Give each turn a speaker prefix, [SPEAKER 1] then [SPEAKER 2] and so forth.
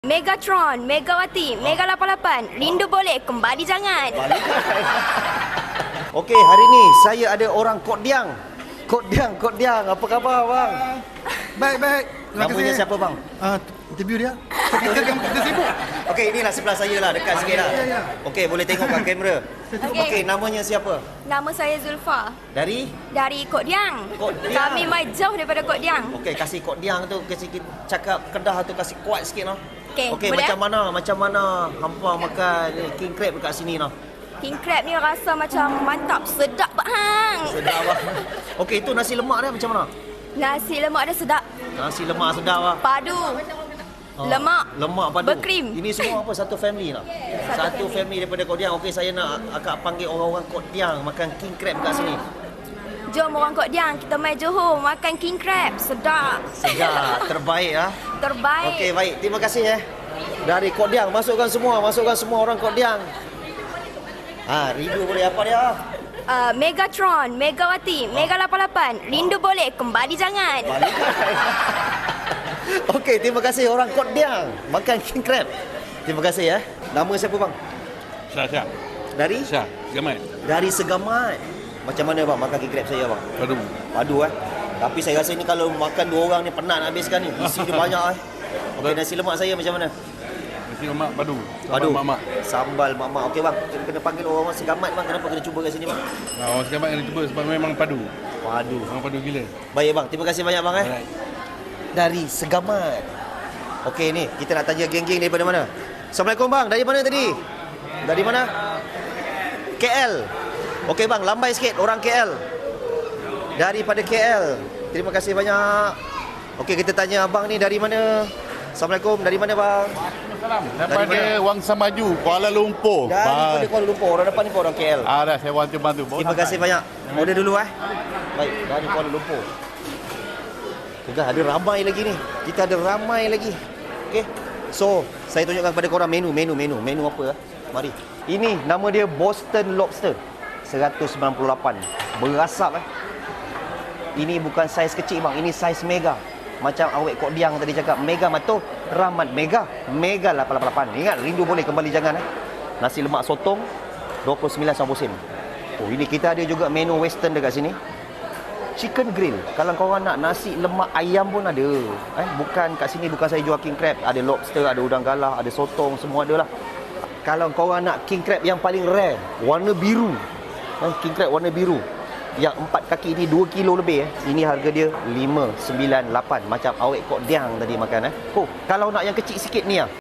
[SPEAKER 1] Megatron, Megawati, Mega 88. Rindu boleh, kembali jangan.
[SPEAKER 2] Okey, hari ni saya ada orang Kok Diang. Kok Diang. Apa khabar bang?
[SPEAKER 3] Baik. Terima kasih.
[SPEAKER 2] Namanya siapa bang?
[SPEAKER 3] Interview dia. Kita sibuk.
[SPEAKER 2] Okey, inilah sebelah saya lah, dekat sikit lah.
[SPEAKER 3] Ya.
[SPEAKER 2] Okey, boleh tengok kat kamera. Okey, namanya siapa?
[SPEAKER 1] Nama saya Zulfa.
[SPEAKER 2] Dari?
[SPEAKER 1] Dari Kok Diang.
[SPEAKER 2] Kok Diang.
[SPEAKER 1] Kami mai jauh daripada Kok Diang.
[SPEAKER 2] Okey, kasih Kok Diang tu, kasih cakap Kedah tu kasih kuat sikit noh.
[SPEAKER 1] Okey,
[SPEAKER 2] Okey, macam mana hampa makan king crab dekat sini noh?
[SPEAKER 1] King crab ni rasa macam mantap, sedap hang.
[SPEAKER 2] Sedap lah. Okey, itu nasi lemak dia macam mana?
[SPEAKER 1] Nasi lemak dia sedap.
[SPEAKER 2] Nasi lemak sedap lah.
[SPEAKER 1] Padu. Lemak.
[SPEAKER 2] Lemak padu.
[SPEAKER 1] Berkrim.
[SPEAKER 2] Ini semua apa? Satu family lah. Satu family daripada Kok Diang. Okey, saya nak akak panggil orang-orang Kok Diang makan king crab kat sini.
[SPEAKER 1] Jom orang Kok Diang, kita mai Johor makan king crab. Sedap.
[SPEAKER 2] Sedap, terbaik ah.
[SPEAKER 1] Terbaik.
[SPEAKER 2] Okey, baik. Terima kasih Dari Kok Diang, masukkan semua orang Kok Diang. Rindu boleh apa dia?
[SPEAKER 1] Megatron, Megawati, Mega 88. Rindu boleh, kembali jangan.
[SPEAKER 2] Okey, terima kasih orang Kok Diang makan king crab. Terima kasih Nama siapa bang?
[SPEAKER 4] Syah.
[SPEAKER 2] Dari?
[SPEAKER 4] Syah, Gamat.
[SPEAKER 2] Dari Segamat. Macam mana bang makan king crab saya bang? Padu Tapi saya rasa ni kalau makan dua orang ni penat nak habiskan ni. Isi dia banyak Okey, nasi lemak saya macam mana?
[SPEAKER 4] Nasi lemak padu.
[SPEAKER 2] Padu.
[SPEAKER 4] Mak-mak.
[SPEAKER 2] Sambal mak-mak. Okey bang, kena panggil orang Segamat bang. Kenapa kena cuba kat sini bang?
[SPEAKER 4] Orang Segamat kena cuba sebab memang padu.
[SPEAKER 2] Padu.
[SPEAKER 4] Memang padu gila.
[SPEAKER 2] Baik bang, terima kasih banyak bang
[SPEAKER 4] Alright.
[SPEAKER 2] Dari Segamat. Okey ni, kita nak tanya geng-geng daripada mana? Assalamualaikum bang, dari mana tadi? Dari mana? KL. Okey bang, lambai sikit orang KL. Daripada KL. Terima kasih banyak. Okey, kita tanya abang ni dari mana? Assalamualaikum, dari mana bang?
[SPEAKER 4] Salam. Daripada Wangsa Maju, Kuala Lumpur.
[SPEAKER 2] Daripada Kuala Lumpur. Orang depan ni pun orang KL.
[SPEAKER 4] Dah saya bantu.
[SPEAKER 2] Terima kasih banyak. Order dulu Baik, dari Kuala Lumpur. Tengah ada ramai lagi ni. Kita ada ramai lagi. Okey. So, saya tunjukkan kepada korang menu apa Mari. Ini nama dia Boston Lobster. 198. Berasap Ini bukan saiz kecil bang, ini saiz mega. Macam awek Kok Diang tadi cakap, mega matu, Rahmat mega 88. Ingat, rindu boleh, kembali jangan Nasi lemak sotong 29.90 sen. Oh, ini kita ada juga menu western dekat sini. Chicken grill. Kalau korang nak nasi lemak ayam pun ada. Bukan kat sini bukan saya jual king crab, ada lobster, ada udang galah, ada sotong, semua ada lah. Kalau korang nak king crab yang paling rare, warna biru. King crab warna biru. Yang 4 kaki ni 2 kilo lebih Ini harga dia 598. Macam awek Kok Diang tadi makan Oh, kalau nak yang kecil sikit ni